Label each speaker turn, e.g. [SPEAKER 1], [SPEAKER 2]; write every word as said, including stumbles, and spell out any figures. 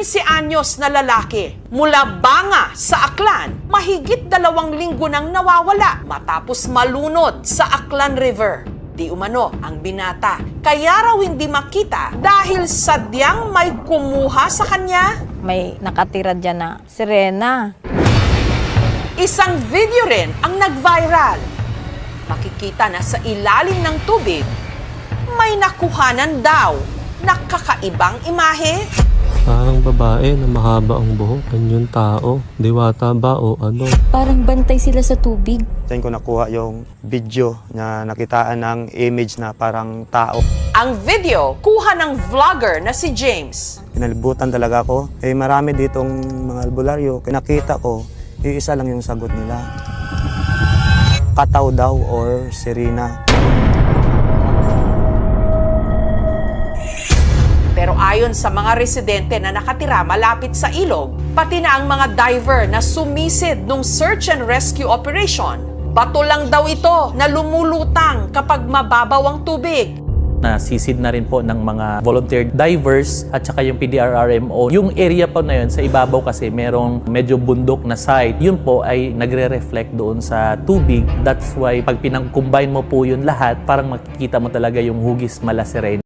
[SPEAKER 1] quince anyos na lalaki mula Banga sa Aklan, mahigit dalawang linggo nang nawawala matapos malunod sa Aklan River. Di umano ang binata, kaya raw hindi makita dahil sadyang may kumuha sa kanya.
[SPEAKER 2] May nakatira dyan na sirena.
[SPEAKER 1] Isang video rin ang nag-viral. Makikita na sa ilalim ng tubig, may nakuhanan daw na kakaibang imahe.
[SPEAKER 3] Parang babae na mahaba ang buhok. Ano yung tao? Diwata ba o ano?
[SPEAKER 4] Parang bantay sila sa tubig.
[SPEAKER 5] Diyan ko nakuha yung video na nakitaan ng image na parang tao.
[SPEAKER 1] Ang video, kuha ng vlogger na si James.
[SPEAKER 5] Pinalibutan talaga ako. Eh marami ditong mga albularyo. Nakita ko, iisa lang yung sagot nila. Kataw daw or sirena.
[SPEAKER 1] Pero ayon sa mga residente na nakatira malapit sa ilog, pati na ang mga diver na sumisid nung search and rescue operation, bato lang daw ito na lumulutang kapag mababaw ang tubig.
[SPEAKER 6] Nasisid na rin po ng mga volunteer divers at saka yung P D R R M O. Yung area po na yun, sa ibabaw kasi merong medyo bundok na site. Yun po ay nagre-reflect doon sa tubig. That's why pag pinang-combine mo po yun lahat, parang makikita mo talaga yung hugis Malasiren.